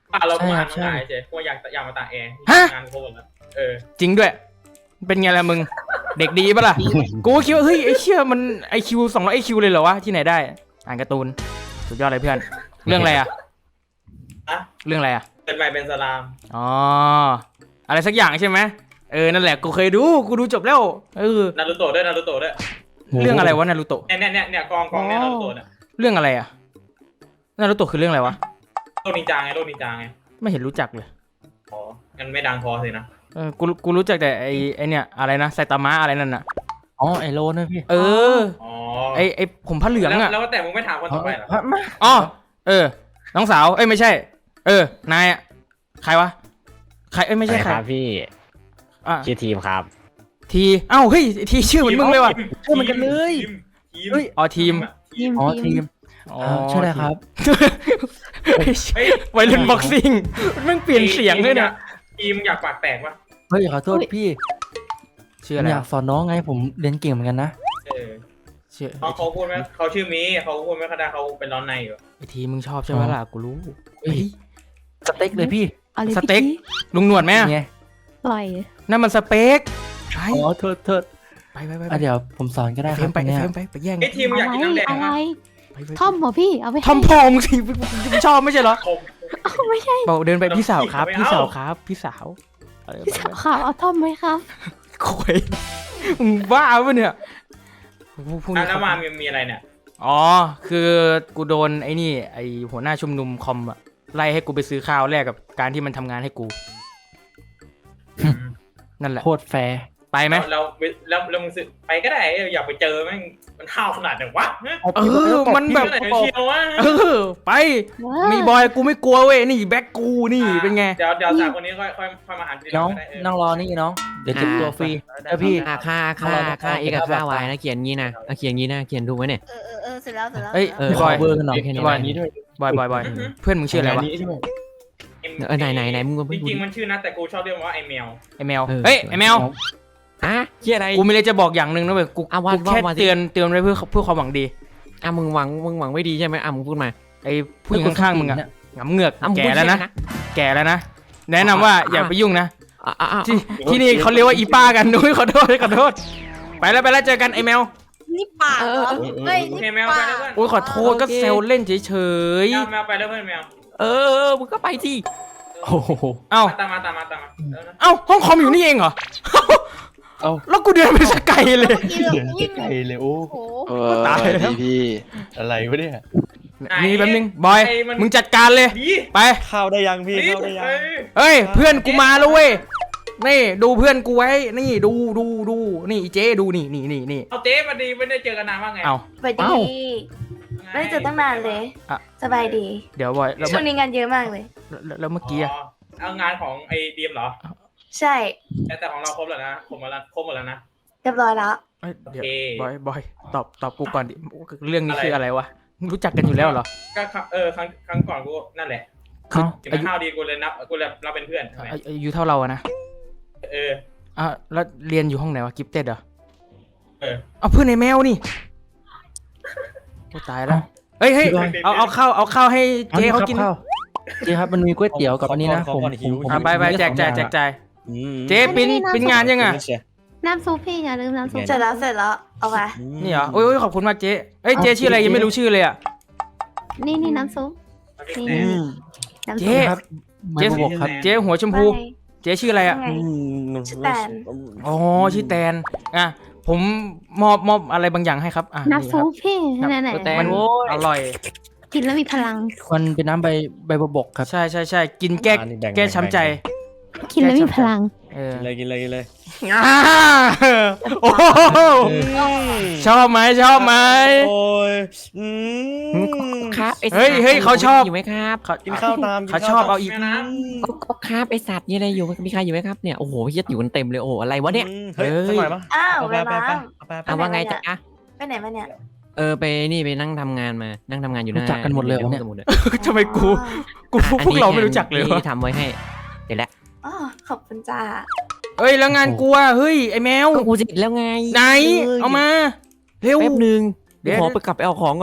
H: อ่ะเรา
E: ใช่
H: มา
E: ครั
H: อ่า
E: บ
H: น
E: ใช่
H: มาเจ๊พวกอยากอยากมาตากแอร์
A: ฮะ
H: งานโคตรแล้วเออ
A: จริงด้วย เป็นไงล่ะมึง เด็กดีปะล่ะ กูก็คิดว่าเฮ้ยไอ้เชี่ยมันไอคิวสองร้อยไอคิวเลยเหรอวะที่ไหนได้อ่านการ์ตูนสุดยอดเลยเพื่อนเรื่องอะไรอะ
H: อะ
A: เรื่องอะไรอะ
H: เป็นใหม่เป็นสลาม
A: อ๋ออะไรสักอย่างใช่ไหมเออนั่นแหละกูเคยดูกูดูจบแล้วเออ
H: นารูโตะด้วยนารูโตะด้วย
A: เรื่องอะไรวะนารูโตะ
H: เนี่ยเนี่ยเนี่ยเนี่ยกองกองเนี่ยนารูโตะเนี่ย
A: เรื่องอะไรอะนารูโตะคือเรื่องอะไรวะ
H: โลกนินจาไงโลกนินจาไง
A: ไม่เห็นรู้จักเลย
H: อ๋องั้นไม่ดังพอสินะ
A: เออกูกูรู้จักแต่ไอไอเนี่ยอะไรนะไซตามะอะไรนั่นน่ะ
E: อ๋อไอโลนะพี่
A: เออ
H: อ๋อ
A: ไอไอผมผ้าเหลือง
H: แล้ว
A: อะ
H: แล้วแต่มึงไม่ถามคนต่อไปเหรอ
E: มา
A: อ๋อเออ น้องสาวเอ้ยไม่ใช่ เออนายอะใครวะใครเอ้ยไม่ใช่ใคร
J: ครับพี่
A: อ่ะ
J: ชื่อทีมครับ
A: ทีเอ้าเฮ้ยทีชื่อเหมือนมึงเลยว่ะ
E: ชื่อเหมือนกันเลย
H: ทีมทีม
A: เฮ้ยอ๋อทีม
I: ทีม
E: อ๋อ
I: ที
E: ที
I: ม
E: มอ่าชื่ออะไรครับ
H: เฮ้ย
A: วัยรุ่นบ็อกซิ่งมันเปลี่ยนเสียงด้วยเนี่ย
H: ทีมอยากปากแตกปะ
E: เฮ้ยขอโทษพี่
A: ชื่อ
E: ผ
A: อะ
E: ม
A: ไร
E: อยากสอนน้องไงผมเรียนเก่งเหมือนกันนะ
H: เออ
A: ชื่อ
H: เขาเขาพูดไหมเขาชื่อมีเขาพูดไม่ค่อยได้เขาเป็นร้อนในอยู่
A: ไอทีมึงชอบใช่ไหมล่ะกูรู้
E: เฮ้ยสเต็กเลยพี่
D: เอาเลย
A: ส
D: พี่
A: เต็ก
D: กี้
A: ลุงหนวดไหมอะ
E: ไง
D: ปล่อย
A: นั่นมันสเต็กไป
E: อ๋อโทษโทษ
A: ไปไปไป
E: อ่ะเดี๋ยวผมสอนก็ได้
A: เฟ
E: ค
A: ร
E: รับ
A: มไป
E: เนี่ย
A: เฟรมไปไปแย่ง
H: ไอ้ทีม
D: อะ
H: อยาก
D: ไร
H: กินน้ำแดง
D: อะไร
H: นะ
A: ไปไป
D: ทอมเหรอพี่เอาไป
A: ทอมพองสิมึงชอบไม่ใช่เหรอ
H: คม
D: ไม่ใช่
A: บอกเดินไปพี่สาวครับ
H: ไม่เอา
A: พี่สาวครับ พี่สาวเออ
D: พี่
A: ไป
D: สาวขาวเอาทอมไหมครับ
A: โคุยมึงบ้าปะเนี่ยพวก
H: อ่ะ
A: นี้
H: แล้วมามีมีอะไรเนี่ย
A: อ๋อคือกูโดนไอ้นี่ไอ้หัวหน้าชุมนุมคอมอะไล่ให้กูไปซื้อข้าวแลกกับการที่มันทำงานให้กู นั่นแหละ
E: โคตรแฟร์
A: ไปไหม
H: แล้วแล้วแล้วมึงซื้อไปก็ได้อยากไปเจอแม่งมันข้าวขนาดไหนวะ
A: เออมันแบบ
H: ไหนเชียววะ
A: เออไปมีบอยกูไม่กลัวเว้ยนี่แบ็คกูนี่เป็นไง
H: เดี๋ยวเดี๋ยวสามคนนี้ค่อยค่อยค่อยมาหาทีหลั
E: น้อง
H: ก็ได้เออ
E: นั่งรอนี่น้อง เดี๋ยวเจ็บตัวฟรีแล้วพี่
J: ค่าค่าค่าค่าเอกกับค่าวายนะเขียนงี้นะอ่ะเขียนงี้นะเขียนถูกไหมเนี่ย
I: เออเออเออเสร็จแล้วเสร็จแล้ว
A: เอ้ย
J: เออ
A: บอย
E: เบอร์กันหน่อย
J: แค่นี้
A: บอย
J: นะ
A: บอยบอยบอยเพื่อนมึงชื่ออะไรวะ
J: เออไหนไหนไหนมึงก็
H: จ
J: ไม่พูด
H: ริงๆมันชื่อนะแต่กูชอบเรียกว่าไอแมว
A: ไอแมว
J: เออ
A: เฮ้ยไอแมว
J: อ่ะชื่ออะไร
A: กูมีอะไรจะบอกอย่างหนึ่งนะเว้ยกู
J: อ่ะว่า
A: กูแค่
J: ว่ามาสิ
A: เตือนเตือนไว้เพื่อเพื่อความหวังดี
J: อ่ะมึงหวังมึงหวังไม่ดีใช่ไหมอ่ะมึงพูดมา
A: ไอผู้หญิงข้างๆมึงอะหงำเหงือก
J: อ่ะมึง
A: แก่
J: พูด
A: แล้วนะ
J: ใช่ไหม
A: แก่แล้วนะแนะนำว่าอย่าไปยุ่งนะ
J: อ่ะอ่ะอ่ะ
A: ที่ที่นี่เขาเรียกว่าอีป้ากันนุ้ยขอโทษขอโทษไปแล้วไปแล้วเจอกันไอแมว
I: นี่ปากเหรอเฮ้ย
H: โอเค
I: นี่
H: แมวไปแล้วเพื่อน
A: โอ้ยขอโทษก็เซลเล่นเฉย
H: แมวแมวไปแล้วเพื่อนแมว
J: เออมึงก็ไปสิ
E: โอ้โห
A: ๆเอ้า
H: ตามมาตามมาตามมาเออนะ
A: เอ้าห้องคอมอยู่นี่เองเหรอ
B: เอ้า
A: แล้วกูเดินไปสกไกลเลย
I: เมื่อกี้เราวิ่ง
B: ไกลเลยโอ้
I: โอ้โห
F: เออ
A: ตายแล้ว
F: ดีพี่
B: อะไรวะเนี่ย
A: นี่แป๊บนึงบอยมึงจัดการเลย
H: ดี
A: ไป
G: ข้าวได้ยังพี่
H: ดี
G: ข้าวได้ยัง
H: เอ้ย
A: เฮ้ยเพื่อนกูมาแล้วเว้ยนี่ดูเพื่อนกูไว้นี่ดูดูดูนี่อีเจ๊ดูนี่นี่นี่นี่
H: เอาเจ๊มาดีไม่ได้เจอกันนานว่าไง
A: เอา
C: สวัสดีไม่ได้เจอตั้งนานเลย
A: อ่ะ
C: สบายดี
A: เดี๋ยวบอยแล้ว
C: ช่วงนี้งานเยอะมากเลย
A: แล้วแล้วเมื่อกี้อะ
H: อ๋อเอางานของไอ้ดีมเหรอ
C: ใช่
H: แต่แต่ของเราครบแล้วนะครบหมดแล้วครบหมดแล้วนะ
C: เรียบร้อยแล้ว
A: เอ้ยเดี๋ยว
H: โอเค
A: บอยบอยตอบตอบกูก่อนดิเรื่องนี้
H: อะไร
A: คืออะไรวะรู้จักกันอยู่แล้วเหรอ
H: ก็ครั้งเออครั้งครั้งก่อนกูนั่นแหละ
A: คือ
H: ถึง
A: อายุ
H: ข้าวดีกูเลยนับกูเลยเราเป็นเพื่อนใช่ไหม
A: อายุอายุเท่าเราอะนะ
H: เออ
A: อ่ะแล้วเรียนอยู่ห้องไหนวะกิฟเต็ดเหรอ
H: เออ
A: เอาเพื่อนในแมวนี่โอ้ตายแล้วเฮ้ยเฮ้ยเอาเอาข้าวเอาข้าวให้เจ๊เขากิน
E: ข้าวเจ๊ครับมันมีก๋วยเตี๋ยวกับอันนี้นะ
G: ขอ
E: ผม
G: ก่อนหิว
E: ผม
A: อ่ะไปไปแจกแจกแจกจ่าย
G: อืม
A: เจ๊ปิ้นปิ้นงานยังอ่ะ
D: น้ำซุปพี่อย่าลืมน้ำซุป
C: เสร็จแล้วเสร็จแล้ว เอาไป
A: นี่เหรอโอ้ยโอ้ยขอบคุณมากเจ๊เอ้ยเจ๊ชื่ออะไรยังไม่รู้ชื่อเลยอ่ะ
D: นี่นี่น้ำซุปนี่น้ำ
A: เจ๊
D: ซุป
E: ครับไม่บอกครับ
A: เจ๊หัวชมพู
C: ว่าไง
A: เจ๊ชื่ออะไรอ่ะ
C: ว่าไง
G: อืม
C: ชื่อแตน
A: อ๋อชื่อแตนอ่ะผมมอบมอบอะไรบางอย่างให้ครับอ่ะ
D: น้ำซุปพี่
A: ครับ
D: ไหน
J: แต่
A: มัน
J: โว้ย
A: อร่อย
D: ๆกินแล้วมีพลัง
E: มันเป็นน้ำใบใบบัวบกครับ
A: ใช่ใช่ใช่กินแก้
G: อันนี้บ่ง
A: แก้ช้ำใจ
D: กินแล้วมีพลัง
A: เออ
G: กินเลยกินเลยกินเลย
A: อ่าโอ้โหชอบไหมชอบไหม
G: โอ้ยอืม
J: ครับไอ้
A: เฮ้ยเฮ้ยเขาชอบ
J: อยู่ไหมครับ
A: เขา
G: กินข้าวตาม
A: เขาชอบเอาอีก
H: แม่น้
J: ก็ก็ครับไอสัตว์นี่อะไรอยู่มีใครอยู่ไหมครับเนี่ยโอ้โหเฮียอยู่กันเต็มเลยโอ้โหอะไรวะเนี่ย
G: อืมเฮ้ยสักหน่อยปะ
C: อ้าว
G: เอา
C: เว
G: ไป
C: ลา
G: ไปไปเอาไปไป
J: อ่ะว่าไงจ๊ะ
C: ไปไหนมาเนี่ย
J: เออไปนี่ไปนั่งทำงานมานั่งทำงานอยู่หน้า
E: รู้จักกันหมดเลยเหรอเนี่ย
J: ห้องสมุดอะ
A: ทำไมกูกูพวก
J: อ่ะ
A: พวกเราไม่
J: อันนี้
A: รู้จักเลยวะ
J: ที่ทำไว้ให้เดี๋ยวแหละ
C: อ๋อขอบคุณจ้า
A: เอ้ยแล้วงานกูอ่ะเฮ้ยไอแมว
J: ก็กูเสร็จแล้วไง
A: ไหนเอามาเร็ว
J: แป๊บนึง
A: เดี๋
J: เดี๋
A: ย
J: ยว วขอไปกลับไปเอาของก่อน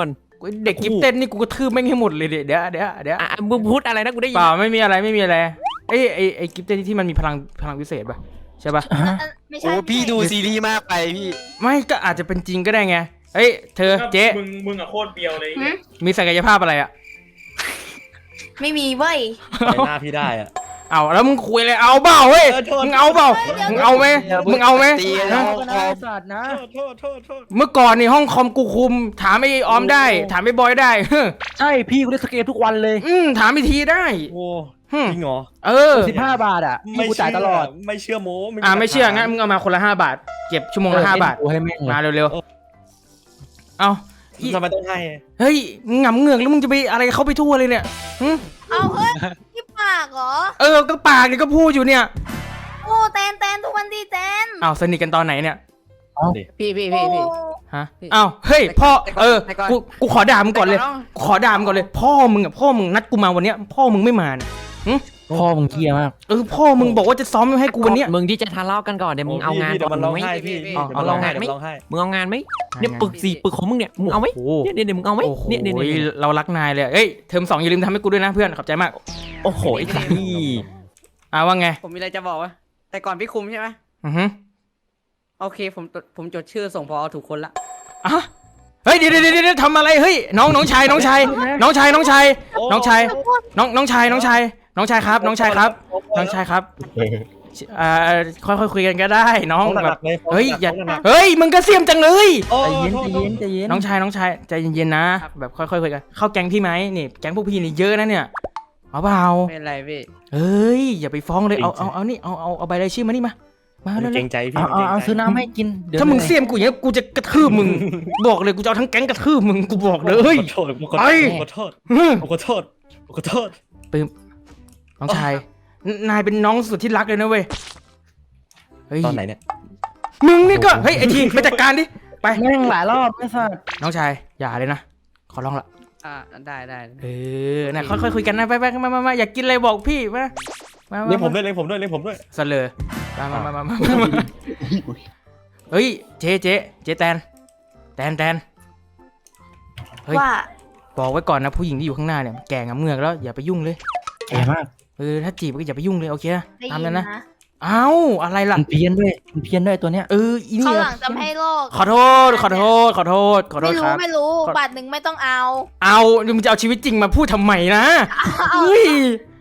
A: เด็กกิฟเต้นนี่กูกระทืบแม่งให้หมดเลยเดี๋ยวเดี๋ยวเดี๋ยวเดี๋ยว
J: อ่ะมึงพูดอะไรนะกูได้ยิ
A: เปล่าไม่มีอะไรไม่มีอะไรไอ้ไอ้ไอ้กิฟเต้นที่มันมีพลังพลังพิเศษป่ะใช่ป่ะ
I: ไม่ใช่
F: โอ้พี่ดูซีรีส์มากไปพี่
A: ไม่ก็อาจจะเป็นจริงก็ได้ไงเอ้ยเธอเจ๊
H: มึงมึงอะโคตรเบียวเลย
C: หืม
A: มีศักยภาพอะไรอ่ะ
C: ไม่มีเว้ย
G: ในหน้าพี่ได้อะ
A: เอาแล้วมึงคุยเลยเอาเปล่าเฮ้ย
G: เออโทษ
A: มึงเอาเปล่ามึงเอาไหมมึงเอาไหม
F: ตีกัน
A: ฮะ
F: แล้ว
E: สัตว์นะ
G: โทษโทษโทษ
A: เมื่อก่อนนี่ห้องคอมกูคุม ถามไอ้ออมได้ ถามไอ้บอยได้ เฮ้อ
E: ใช่พี่กูเล่นสเกตทุกวันเลย
A: อืมถามไอ้ทีได้
G: โอ้
A: ฮึม
G: จริงเหรอ
A: เออ
E: สิบห้าบาทอ่ะพี่กูจ่ายตลอด
G: ไม่เชื่อโม้
A: อ่าไม่เชื่องั้นมึงเอามาคนละห้าบาท เก็บชั่วโมงละห้าบาท
E: กูให้แม่งเลย
A: มาเร็วๆเอาอี
G: ทำไมต้องให้
A: เฮ้ยมึงหงำเหงือกแล้วมึงจะไปอะไรเขาไปทั่วเลยเนี่ยหึ
I: เอาเฮ้ยที่ปากเหรอ
A: เออก็ปากนี่ก็พูดอยู่เนี่ย
I: โอ้แตนแตนทุกวันดีแตน
A: อ้าวสนิทกันตอนไหนเนี่ย
J: พี่พี่
I: โอ้
J: พี่พี่
A: ฮะอ้าวเฮ้ยพ่อ
J: แต่ก่อน
A: เออ
J: แต่ก่อน
A: กูกูขอด่ามึงก่อนเลย
J: แต่ก่อน
A: ขอด่ามึงก่อนเลย พ่อมึงอ่ะพ่อมึงนัดกูมาวันเนี้ยพ่อมึงไม่มาเนี่ย
E: พ่อมึงเกียมาก
A: เออพ่อมึงบอกว่าจะซ้อมให้กูวันเนี้ย
J: มึงที่จะทะเลาะกันก่อนเดี๋ยวมึงเอางาน
G: เดี๋ยวมันร้อง
J: ไหม
G: ไห้พี่พี่
A: เอา
G: เดี๋ยวมันร้องไห้
J: เอา
G: เดี๋ยวมันร้องไห้
J: มึงเอางานไหมเนี่ยปึกสี่ปึกของมึงเนี่ยมึงเอาไหม
A: โอ้โห
J: เนี่ยเนี่ยเดี๋ยวมึงเอาไหม
A: โอ้โห
J: เนี่ยเนี่ยเนี่ย
A: เรารักนายเลยเอ้ยเทอมสองอย่าลืมทำให้กูด้วยนะเพื่อนขอบใจมาก
J: โอ้โหไอ้สัตว์นี่
A: อ่าว่าไง
L: ผมมีอะไรจะบอกว่าแต่ก่อนพี่คุมใช่ไหม
A: อือฮึ
L: โอเคผมจดผมจดชื่อส่งพอถูกคนละ
A: อ่ะเฮ้ยเดี๋ยวเดี๋ยวเดี๋ยวทำอะไรเฮ้ยน้องน้องชายน้องชายน้องชายน้องชายน้องชายน้องน้องชายน้องชายน้องชายครับ น้องชายครับ น้องชายครับอ่าค่อยๆคุยกันก็ได้น้องแบบเฮ้ยอย่าเฮ้ยมึงก็เสียมจังเลย
E: ใจเย็นใจเย็นใจเย็น
A: น้องชายน้องชายใจเย็นๆนะแบบค่อยๆคุยกันเข้าแก๊งพี่ไหมนี่แก๊งพวกพี่นี่เยอะนะเนี่ยเอาเปล่า
L: ไม่เป็นไรพี่
A: เฮ้ยอย่าไปฟ้องเลยเอาเอาเอานี่เอาเอาเอาใบรายชื่อมานี่มามา
G: มัน
A: เร็
G: เกร
A: ว
G: งใจพี่
E: เอา
G: มัน
E: เอา
G: เกรงใจ
E: เอาซื้อน้ำให้กินดี๋ยว
A: ๆถ้ามึง
E: หนื่อย
A: เสียมกูอย่างนี้กูจะกระทืบมึงบอกเลยกูจะเอาทั้งแก๊งกระทืบมึงกูบอกเลย
G: ขอโทษขอโทษ
A: ไป
G: ขอโทษ
A: ฮึ่ม
G: ขอโทษขอโทษ
A: น้องชายนายเป็นน้องสุดที่รักเลยนะเว้ยเฮ้ย
G: ตอนไหนเนี่ย
A: มึงนี่ก็เฮ้ยไอทีไปจัดการดิไป
E: แม่งหลายรอบไม่สัตว์
A: น้องชายอย่าเลยนะขอร้องละ
L: อ่าได้ได้
A: เออนะค่อยๆคุยกันนะไปไปมามามาอยากกินอะไรบอกพี่มามา
G: เลี้ยงผม
A: มา
G: ด้วยเลี้ยงผมด้วยเลี้ยงผมด้วย
A: สเลอมามามามามามาเฮ้ยเจ๊เจ๊เจ๊แตนแตนแตนเฮ้ย
C: ว่า
A: บอกไว้ก่อนนะผู้หญิงที่อยู่ข้างหน้าเนี่ยแก่งำเงือกแล้วอย่าไปยุ่งเลย
E: แก่มาก
A: เออถ้าจีบก็อย่าไปยุ่งเลยโอเคนะ
C: ได้
A: ตาม
C: ยิ
A: นั้น น
C: นะ
A: นะเอ้าอะไรล่ะ
E: มันเพี้ยนด้วยมันเพี้ยนด้วยตัวเนี้ย
A: เอออี
I: เขา
A: นี่
I: หลังจะไม่ให้โลก
A: ขอโทษขอโทษขอโทษขอโท
I: ไม่
A: ษค
I: รู้
A: รับ
I: ไม่รู้
A: ขอ
I: บาทหนึ่งไม่ต้องเอา
A: เอามึงจะเอาชีวิตจริงมาพูดทำไมนะ
I: เอา
A: เฮ้ย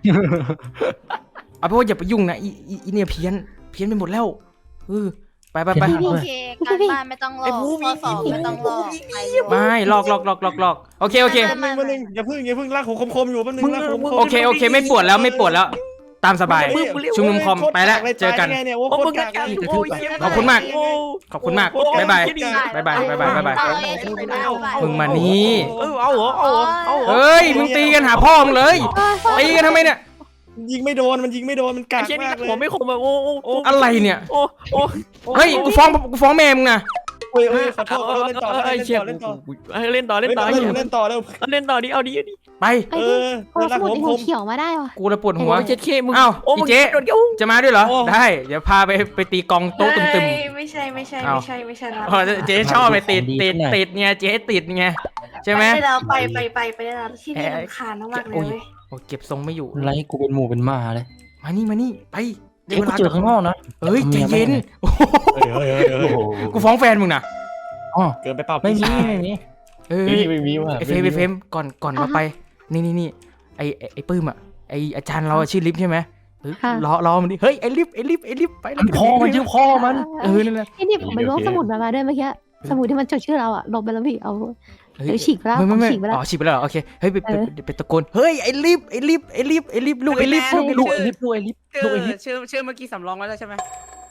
A: เอาเพราะว่าอย่าไปยุ่งนะอีอีอีเนี่ยเพี้ยนเพี้ยนไปหมดแล้วเออไปไปไป
I: โอเคการบ้านไม่ต้องลอกข้อสอบไม่ต้องลอกไปเลย
A: ไม่ลอกลอกลอกลอกลอกโอเคโอเค
G: แป๊บนึงแป๊บนึงอย่าเพึ่งอย่าเพึ่งลากหัวคมๆอยู่แป๊บนึงลากหัวคมๆ
A: โอเคโอเคไม่ปวดแล้วไม่ปวดแล้วตามสบาย
G: เฮ้
A: ชุมนุมคอมไปแล้วเจอกัน
G: โคตรากลยตายไงเนี่ยโอ้โคตรกากเลย
A: ขอบคุณมาก ขอบคุณมากบ๊ายบายบ๊ายบายบ๊ายบายบ๊ายบาย
I: เอาเลยชุดไปเอาไป
A: มึงมานี่
J: เออเอาเหรอเอาเหรอเอาเหรอ
A: เฮ้ยมึงตีกันหาพ่อมึงเลยตีกันทำไมเนี่ย
G: ยิงไม่โดนมันยิงไม่โดนมันกา
J: ไอ้
G: ก
J: เชี่ยนี่
G: มากเลย
J: หัวไม่คมอะโอ้โอ้โอ้
A: อะไรเนี่ย
J: โอ้โอ้
A: เฮ้ยกูฟ้องกูฟ้องแม่มึงนะ
G: เฮ้ยเฮ้ยขอโทษขอโทษเล่นต่อ
J: ไอ้
G: เล่น
J: เชี่ย
G: ต่อเล่นต่อ
J: เล่นต่อเล่นต่อ
G: เล่นต่อเล่นต่อเร็ว
J: เล่นต่อดิเอาดิเอาดิ
A: ไป
D: ไป
G: เอ
D: ดิ
G: อ
D: โอ้
G: ลาก
D: สมุ
G: หั
D: ด
G: ว
D: หั
G: คว ม
D: เขียวมาได้วะ
A: กูระปวดหัว
J: โอ้เจ็ดเคมึง
A: อ้าว
J: โอ้
A: อี
J: มึง
A: เจ๊
J: โดนเกี่ยว
A: จะมาด้วยเหรอ
G: โอ้
A: ได้เดี๋ยวพาไปไปตีกองโต๊ะตึม
C: เอ้ยไม่ใช่ไม่ใช่
A: เอา
C: ไม่ใช่ไม่ใช่นะ
A: ๆอ๋อเจ๊ชอบไปติดติดติดไงเจ๊ติดไงใช่ไหม
C: ไปได้แล้วไปไปไปไปได้แล้วที่นี่รำคาญมากๆเลยเว้ย
A: โอ้เก็บทรงไม่อยู่
E: ไรกูเป็นหมูเป็นหมาเลย
A: มานี่มานี่ไป
E: เอ้ยกูเจอข้างนอกนะ
A: เอ้ยใจเย็นโอ้โห
G: เฮ้ยเฮ้ยเฮ้ยเฮ้ย
A: กูฟ้องแฟนมึงนะ
E: อ๋อ
G: เกินไปเปล่า
E: ไม่มี
G: พี่ชาย
E: ไม่มี
A: เออ
B: ไม่มีว่ะ
A: ไอเฟรมไอเฟรมก่อนก่อนมาไป นี่นี่นี่ไอไอ้ไอปื้มอ่ะไออาจารย์เราอะชื่อลิฟใช่ไหมเออล้อล้อมันดิเฮ้ยไอลิฟไอลิฟไอลิฟไปแล้ว
E: พ่อมันชื่อพ่อมัน
A: เออนั่นแหละ
D: ไอ้นี่ผมไปล้วงสมุดมามาด้วยเมื่อกี้สมุดที่มันจดชื่อเราอะลบไปแล้วพี่เอา เดี๋ยวฉีกไปแล้ว
A: ไม่ไม่ไม่
D: ฉีกไปแล้ว
A: อ๋อฉีกไปแล้วเหรอโอเคเฮ้ยไปไป
D: เออ
A: ไปไปตะโกนเฮ้ยไอลิฟไอลิฟไอลิฟไอลิฟลูกไอลิฟลูกไอ
E: ลู
A: ลิ
E: ก
A: ฟ
E: ไอ้ลิฟลูกไอ้ลิฟลูกไอ้ลิฟ
L: ชื่อชื่อเมื่อกี้สำรองไว้แล้วใช่ไหม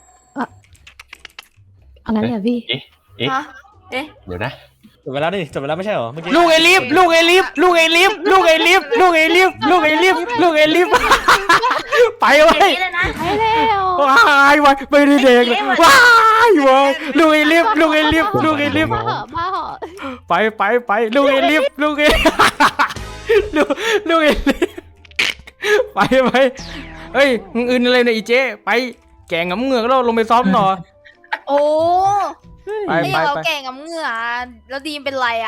D: เอางั้นเลยเหรอพี่
C: ฮะเอ๊ะ
B: เดี๋ยวนะ
G: จบไปแล้วนี่จบไปแล้วไม่ใช่เหรอเมื่อกี้
A: ลูกไอลิฟลูกไอลิฟลูกไอลิฟลูกไอลิฟลูกไอลิฟลูกไอลิฟลูกไอลิฟไป
C: อ
A: เว้
C: ย่าย งนี้เลยนะ
D: ไปแล้ว
A: ว้ายว้ายไม่ได้เด็กเลยว้ายว้ายลูกไอลิฟลูกไอลิฟลูกไอลิฟ
D: มาเหอะมาเหอะ
A: ไปไปไปลูกไอลิฟลูกไอลูกลูกไอลิฟไปไปเฮ้ยมึงอื่นอะไรเนี่ยอีเจ๊ไปแกงงำเงือกแล้วลงไปซ้อมหน่อ
I: โอ้
A: ไป
I: ไม่
A: ไป
I: เรา
A: ไป
I: แก่งกับเหงื่อแล้วดีมเป็นไรอ่ะ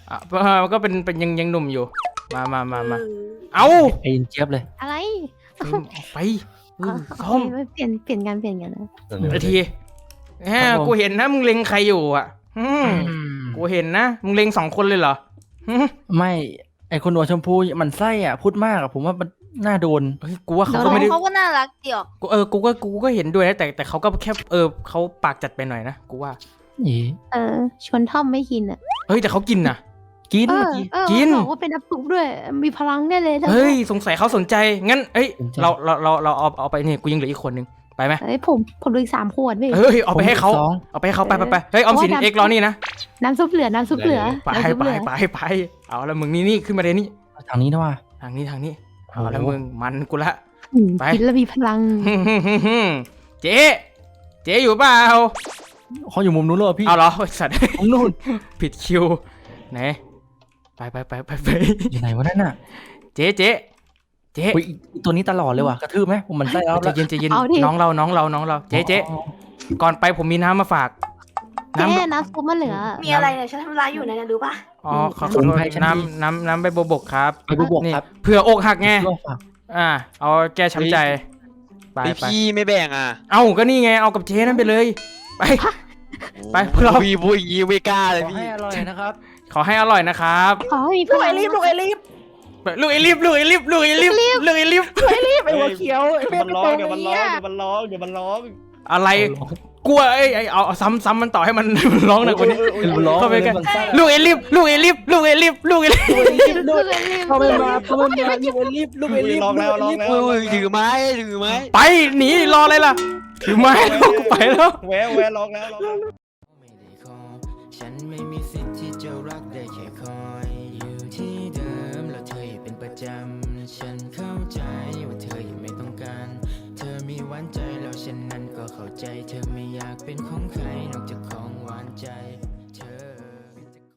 A: อ่ะเออก็เป็นเป็นยังยังหนุ่มอยู่ มามามามาเอา
E: ไอ้เจี๊ยบเลย
D: อะไร
A: เฟรมออกไปเออ
D: โอ
A: คอม
D: เคเปลี่ยนเปลี่ยนกันเปลี่ยนกันนะ
A: ไอทีแหมกูเห็นนะมึงเล็งใครอยู่อ่ะอืมกูเห็นนะมึงเล็งสองคนเลยเหรอหึ
E: ไม่ไอคนหัวชมพูมันไส้อ่ะพูดมากอ่ะผมว่ามันน่าโดน
A: เฮ้ยกูว่าเขาก็ไม่ได้
I: เขาก็น่ารักดีออก
A: กูเออ กูก็ กูก็เห็นด้วยนะ แต่ แต่เขาก็แค่ เออเขาปากจัดไปหน่อยนะ กูว่า
E: นี่
D: เออชวนท่อมไม่กินอ่ะ
A: เฮ้ย แต่เขากินนะ
E: กิน
D: เออ
E: กิน
D: เออ
A: กิน
D: บอกว่าเป็นอัปปุกด้วย มีพลังแน่เลยถ้า
A: เฮ้ย สงสัยเขาสนใจ งั้น เอ้ย
E: สนใจ
A: เรา เรา เรา เราเอา เอาไปนี่ กูยังเหลืออีกคนนึง ไปไหม
D: เฮ้ยผมผมดูอีกสามขวดพี่
A: เฮ้ย เอาไปให้เขา
E: ผมสอง
A: เอาไปให้เขาไปไปไปเฮ้ย ออมสิน
D: โอ้ย
A: เอ็กซ์รอนี่นะ
D: น้ำซุปเหลือ น้ำซุปเหลือ
A: ไป
D: น้ำซุป
A: ไป
D: เหลือ
A: ไปไป เอาแล้วมึงนี่นี่ขึ้นมาเลยนี่
E: ทางนี้นะว่า
A: ทางนี้ ทางนี้ เอาแล้วมึง มันกูละ
D: อืม
A: ไป
D: กินแล้วมีพลัง
A: เจ๊เจ๊อยู่เปล่า
E: เขาอยู่มุมนู้นเลยพี่
A: เอาเหรอไอ้สัตว์
E: มุมนู้น
A: ผิดคิว ไหน ไปไปไปไปไป
E: อยู่ไหนวะนั่นน่ะ
A: เจ๊เจ๊เจ๊
E: อุ้ยอีตัวนี้ตลอดเลยว่ะกระทืบไหมผมมันไส้แล้ว
A: ใจเย็นใจเย็น
D: เอาดิ
A: น้องเราน้องเราน้องเราเจ๊เจ๊ก่อนไปผมมีน้ำมาฝาก
D: แค่
A: น้ำ
D: น้ำซุปมันเหลือ
C: มีอะไรเนี่ยฉันทำร้ายอยู่นะเนี่ยรู้ปะ
A: อ๋อขอขอโทษน้ำน้ำน้ำใบบัวบกครับ
E: ไปบุบก
A: นี่
E: ครับ
A: เผื่ออกหักไง
E: ลองฝาก
A: อ่า เอาแก้ช้ำใจไป
F: ไอ
A: ไป
F: พี่ไม่แบ่งอ่ะ
A: เอาก็นี่ไงเอากับเจ๊นั่นไปเลย ไป ไปพวกเรา
F: พี่พูดอย่างงี้ไม่กล้าเลย
E: ขอ
F: พี่
E: ให้อร่อยนะครับ
A: ขอให้อร่อยนะครับ
D: ขอให้มีพลัง
A: ลูกไอลิฟลูกไอลิฟลูกไอลิฟลูกไอลิฟลูกไอลิฟลูกไอลิฟ
G: ไอ้หัวเขียวเดี๋ยวมันร้องเดี๋ยวมันร้องเดี๋ยวมันร้องเดี๋ยวมันร้อง
A: อะไรกลัวไอ้ไอ้เอาเอาซ้ำซ้ำมันต่อให้มัน ร้องหน่อยกว่านี้
E: มันร้อง
A: เข้าไปกัน
E: มันไส้
A: ลูกไอลิฟลูกไอลิฟลูกไอลิฟลูกไอลิฟ
D: ลูกไอลิฟ
E: เข้าไปมาเข้าไปมาลูกไอลิฟลูกไอลิฟ
G: ร้องแล้วร้องแล้ว
F: เฮ้ยถือไม้ถือไม้
A: ไปหนีรออะไรล่ะถือไม้แล้วกูไปแล้ว
G: แหวะแหวะร้องแล้วร้องแล้ว
M: ฉันไม่มีสิทธิ์ที่จะรักได้แค่คอยอยู่ที่เดิมแล้วเธออย่าเป็นประจำฉันเข้าใจว่าเธอยังไม่ต้องการเธอมีหวานใจแล้วฉันนั้นก็เข้าใจเธอไม่อยากเป็นของใคร